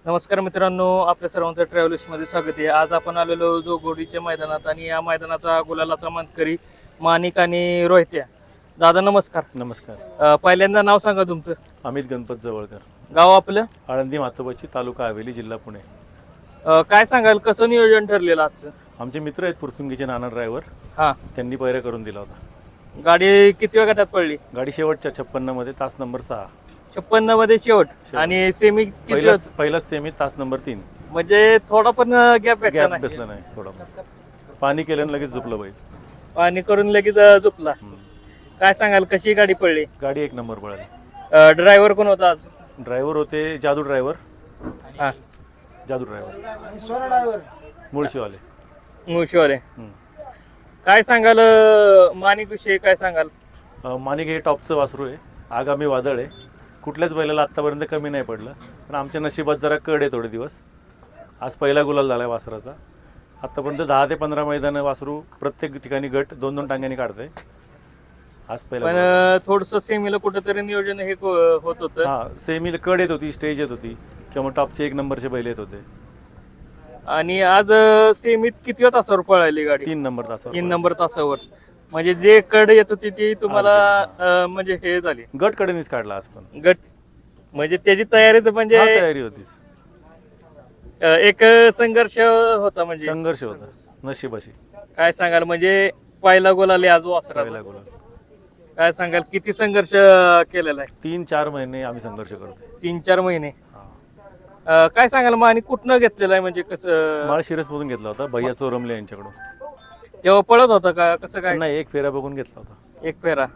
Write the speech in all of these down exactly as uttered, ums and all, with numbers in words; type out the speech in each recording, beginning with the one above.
नमस्कार मित्रांनो, आपल्या सर्वांचं ट्रॅव्हल्समध्ये स्वागत आहे. आज आपण आलेलो जोगोडीच्या मैदानात आणि या मैदानाचा गुलालाचा मानकरी माणिक आणि रोहित्या. दादा नमस्कार. नमस्कार. अ, पहिल्यांदा नाव सांगा तुमचं. अमित गणपत जवळकर, गाव आपलं. आळंदी मातोबाची, तालुका हवेली, जिल्हा पुणे. अ, काय सांगाल, कसं नियोजन ठरलेलं आजचं? आमचे मित्र आहेत पुरसुंगीचे नाना ड्रायव्हर, हां, त्यांनी पैरा करून दिला होता. गाडी किती वेळ गटात पडली? गाडी शेवटच्या छप्पन्न मध्ये तास नंबर सहा. छप्पन्न मध्ये शेवट. शेवट. आणि सेमी किती पहिलाच होत? पहिलाच सेमी तास नंबर तीन. म्हणजे थोडा पण गॅप भेटला गॅप नाही. बसला नाही. थोडा पाणी केलं आणि लगेच झोपलं बैल. आणि करून लगेच अ, झोपला. हम्म. काय सांगाल, कशी गाडी पडली? गाडी एक नंबर पळाली. ड्रायव्हर कोण होता आज? ड्रायव्हर होते जादू ड्रायव्हर. हां, जादू ड्रायव्हर मुळशीवाले. मुळशीवाले. हम्म. काय सांगाल अ, माणिक विषयी काय सांगाल? अं, माणिक हे टॉपचं वासरू आहे. आगामी वादळ आहे. कुठल्याच बैलाला आत्तापर्यंत कमी नाही पडलं. पण आमच्या नशिबात जरा कड आहे थोडे दिवस. आज पहिला गुलाल झाला आहे वासराचा. आत्तापर्यंत दहा ते पंधरा मैदानं वासरू प्रत्येक ठिकाणी गट दोन दोन टांग्यांनी काढतंय. आज पहिला पण गुलाल. थोडस सेमीला कुठेतरी नियोजन हे को- होत होतं. हां, सेमीला कड येत होती, स्टेज येत होती किंवा टॉपचे एक नंबरचे बैल येत होते. आणि आज अ, सेमीत किती तासावर पळाली गाडी? तीन नंबर तासावर तीन नंबर तासावर. म्हणजे जे कड येत होती ती तुम्हाला अ, म्हणजे हे झाली गट कडेनीच काढला आज पण. गट. म्हणजे त्याची तयारीच म्हणजे हा, तयारी होतीच. अ, एक संघर्ष होता. म्हणजे संघर्ष होता नशिबाशी. काय सांगाल, म्हणजे पहिला गोल आले आज वासराचा. पहिला गुलाल. काय सांगाल, किती संघर्ष केलेला आहे? तीन चार महिने आम्ही संघर्ष करतोय. तीन चार महिने. हां. अ, काय सांगाल मग, आणि कुठनं घेतलेलं आहे म्हणजे कसं? माळशिरसमधून घेतला होता भैया चोरमले यांच्याकडून. तेव्हा पळत होता का, कसं काय? नाही, एक फेरा बघून घेतला होता. एक फेरा.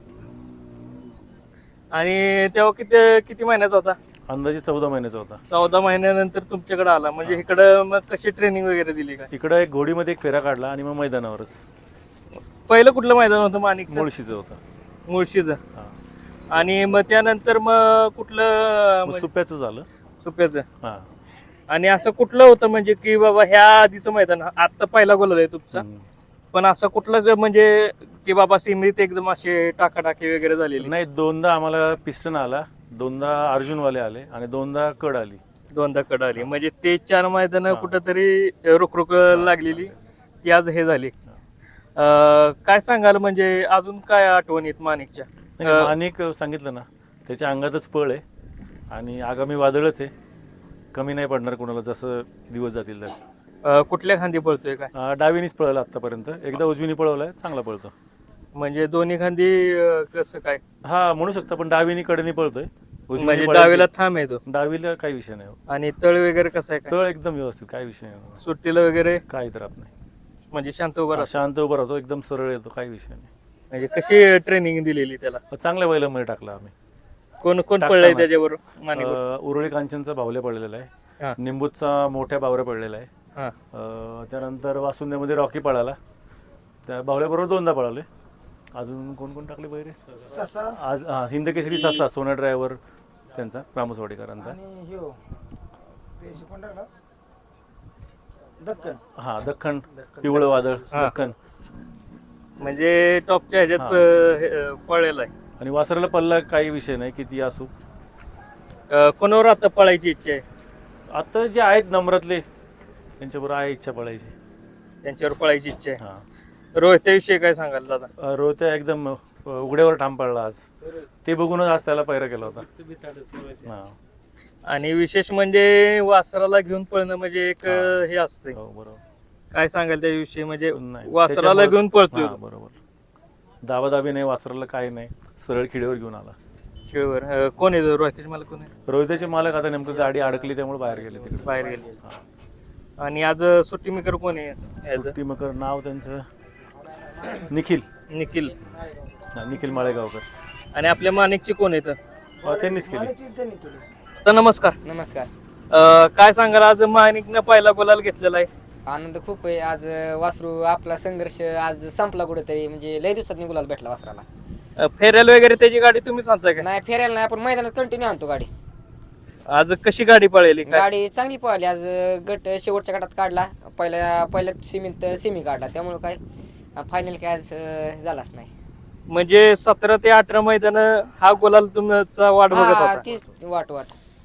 आणि तेव्हा किती किती महिन्याचा होता? अंदाजे चौदा महिन्याचा होता. चौदा महिन्यानंतर तुमच्याकडे आला. म्हणजे इकडं मग कशी ट्रेनिंग वगैरे दिली का? इकडं एक घोडीमध्ये एक फेरा काढला आणि मग मैदानावरच. पहिलं कुठलं मैदान होतं माणिकचं? मुळशीचं होतं. मुळशीचं. हां. आणि मग त्यानंतर मग कुठलं मग सुप्याचं झालं. सुप्याचं. हां. आणि असं कुठलं होतं म्हणजे की बाबा ह्या आधीचं मैदान, आता पहिला गोल आहे तुमचा, हम्म. पण असं कुठलंच म्हणजे की बाबा सीमित एकदम असे टाकाटाकी वगैरे झालेली? नाही, दोनदा आम्हाला पिस्टन आला, दोनदा अर्जुनवाले आले आणि दोनदा कड आली. दोनदा कड आली. म्हणजे ते चार मैदान हां. कुठंतरी रुकरुक लागलेली ती आज हे झाली. अं, काय सांगाल, म्हणजे अजून काय आठवणीत माणिकच्या? नाही, अनेक सांगितलं ना, त्याच्या अंगातच पळ आहे आणि आगामी वादळच आहे. कमी नाही पडणार कोणाला जसं दिवस जातील तसं. अं, कुठल्या खांदी पळतोय काय? अं, डावीनीच पळवलं आत्तापर्यंत. एकदा उजवीनी पळवलाय, चांगला पळतो. म्हणजे दोन्ही खांदी अं, कसं काय? हा, म्हणू शकता, पण डावीनी कडनी पळतोय. उजवीनी म्हणजे पळायची- डावीला थांब आहे तो. डावीला काही विषय नाही. आणि तळ वगैरे कसं आहे काय? तळ एकदम व्यवस्थित, काही विषय नाही. सुट्टीला वगैरे काही त्रास नाही. म्हणजे शांत उभा हा, राहतो. शांत उभा राहतो, एकदम सरळ येतो, काही विषय नाही. म्हणजे कशी ट्रेनिंग दिलेली त्याला? चांगल्या बैलामध्ये टाकला आम्ही. कोण कोण टाकताना. पळलंय त्याच्यावर माणिक? अं, उरुळी कांचनचा बावल्या पडलेला आहे. हा. निंबूचा मोठ्या बावऱ्या पडलेला आहे. हा. अं, त्यानंतर वासुंदेमध्ये रॉकी पळाला. त्या बावल्याबरोबर दोनदा पळाले. अजून कोण कोण टाकले बैरे? आज हा, हिंदकेसरी ससा, सोना ड्रायव्हर त्यांचा, रामसवाडीकरांचा. हा, दख्खन, पिवळं वादळ, हा. दख्खन. म्हणजे टॉपच्या ह्याच्यात अं, हे, अं, पळलेला आहे. आणि वासराला पल्ला काही विषय नाही, किती असू. अं, कोणावर आता पळायची इच्छा आहे? आता जे आहेत नम्रातले त्यांच्याबरोबर आहे इच्छा पळायची. त्यांच्यावर पळायची इच्छा आहे. हा. रोहित्याविषयी काय सांगाल दादा? अं, रोहित्या एकदम अं, उघड्यावर ठाम पडला आज. ते बघूनच आज त्याला पैरा केला होता. हा. आणि विशेष म्हणजे वासराला घेऊन पळणं म्हणजे एक अं, हे असतंय. हो, बरोबर. काय सांगाल त्याविषयी? म्हणजे नाही, वासराला त्याच्यामुळेच- घेऊन पळतोय हा, बरोबर. दाबादाबी नाही, वासराला काही नाही, सरळ खिडेवर घेऊन आला. शिळवर. अं, कोण आहे रोहितेश? मला कोण आहे? रोहिताचे मालक आता नेमकं गाडी अडकली त्यामुळे बाहेर गेले तिकडे. बाहेर गेले. हा. आणि आज सुट्टी मेकर कोण आहे याचं? सुट्टी मकर नाव त्यांचं निखिल. निखिल. हा, निखिल माळेगावकर. आणि आपल्या माणिकची कोण आहेत? हा, त्यांनीच केली. तर नमस्कार. नमस्कार. अं, काय सांगाल, आज माणिकनं पहिला गुलाल घेतलेला आहे. आनंद खूप आहे. आज वासरू आपला संघर्ष आज संपला कुठेतरी. म्हणजे लय दिवसात गुलाल भेटला वासराला. अं, फेऱ्याला वगैरे त्याची गाडी तुम्ही सांगताय का? नाही फिरायला नाही, आपण मैदानात कंटिन्यू आणतो गाडी. आज कशी गाडी पळेली? काय? गाडी चांगली पळाली. आज गट शेवटच्या गटात काढला. पहिल्या पहिल्या सीमित सेमी काढला. त्यामुळे काय फायनल काय आज अं, झालाच नाही. म्हणजे सतरा ते अठरा मैदान हा गुलाल तुमचा वाट बघत हा, होता. तीच वाट वाट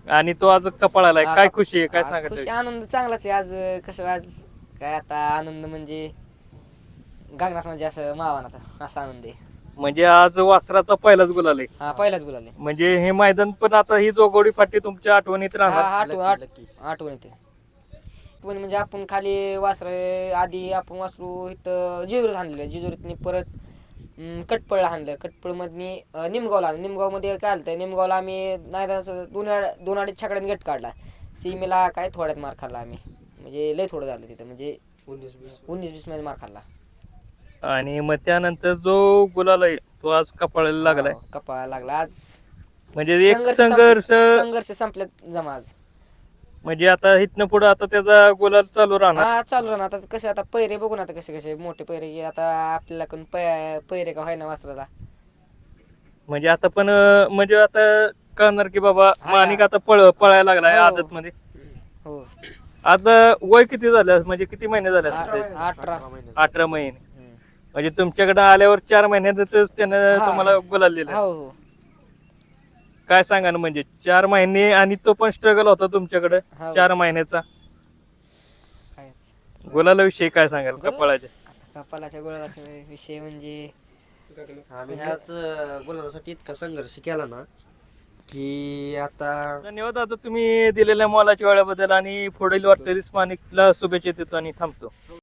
आणि तो आज कपाळाला आहे. हा, काय कप- खुशी आहे, काय आज सांगत खुशी आनंद चांगलाच आहे आज. अं, कसं आज काय आता आनंद म्हणजे गगनात म्हणजे असं मावानाचा असा आनंद आहे. म्हणजे आज वासराचा पहिलाच गुलाल आहे. हा पहिलाच गुलाल आहे. म्हणजे हे मैदान पण आता ही जोगोडी फाटी तुमच्या आठवणीत हा राहणार. आठवण आठ- आठवण येते. पण म्हणजे आपण खाली वासर आधी आपण वासरू इथं जेजुरीत आणलेलं, जेजुरीतनी परत अं, कटपळला आणलं, कटपळमधनी अं, निमगावला आणलं. निमगावमध्ये काय आलं निमगावला आम्ही नाही असं दोन अड- दोन अडीच छकड्याने गट काढला. सीमेला काय थोड्यात मार खाल्ला आम्ही, म्हणजे लय थोडं झालं तिथं, म्हणजे उन्नीस बीस मध्ये मार खाल्ला. आणि मग त्यानंतर जो गुलाल आहे तो आज कपाळाला लागलाय. हो, कपाळाला लागला आज. म्हणजे एक संघर्ष संघर्ष संप- संघर्ष संपल्यात जमा आज. म्हणजे आता इथनं पुढे आता त्याचा गुलाल चालू राहणार. हा चालू राहणार आता. कसं आता पैरे बघू ना आता कसे कसे मोठे पैरे की आता आपल्याला कोण पै- पैरे का व्हायना वासराला. म्हणजे आता पण अं, म्हणजे आता कळणार की बाबा हा. माणिक आता पळ पळायला लागलाय हो. आदत मध्ये. हो आज अं, वय किती झालं, म्हणजे किती महिने झाले आ- असतील? अठरा अठरा महिने. म्हणजे तुमच्याकडे आल्यावर चार महिन्यातच त्यानं हा. तुम्हाला गुलाल दिला. हो हो काय सांगा ना, म्हणजे चार महिने आणि तो पण स्ट्रगल होता तुमच्याकडे हो. चार महिन्याचा. काय गुलाला विषयी काय सांगाल गुलाल? कपाळाच्या? आता कपालाच्या गोळाचा विषय म्हणजे आम्ही ह्याच बोलण्यासाठी इतका संघर्ष केला ना की आता धन्यवाद आता तुम्ही दिलेल्या मोलाच्या वेळाबद्दल, आणि पुढील वाटचालीस माणिकला शुभेच्छा देतो आणि थांबतो.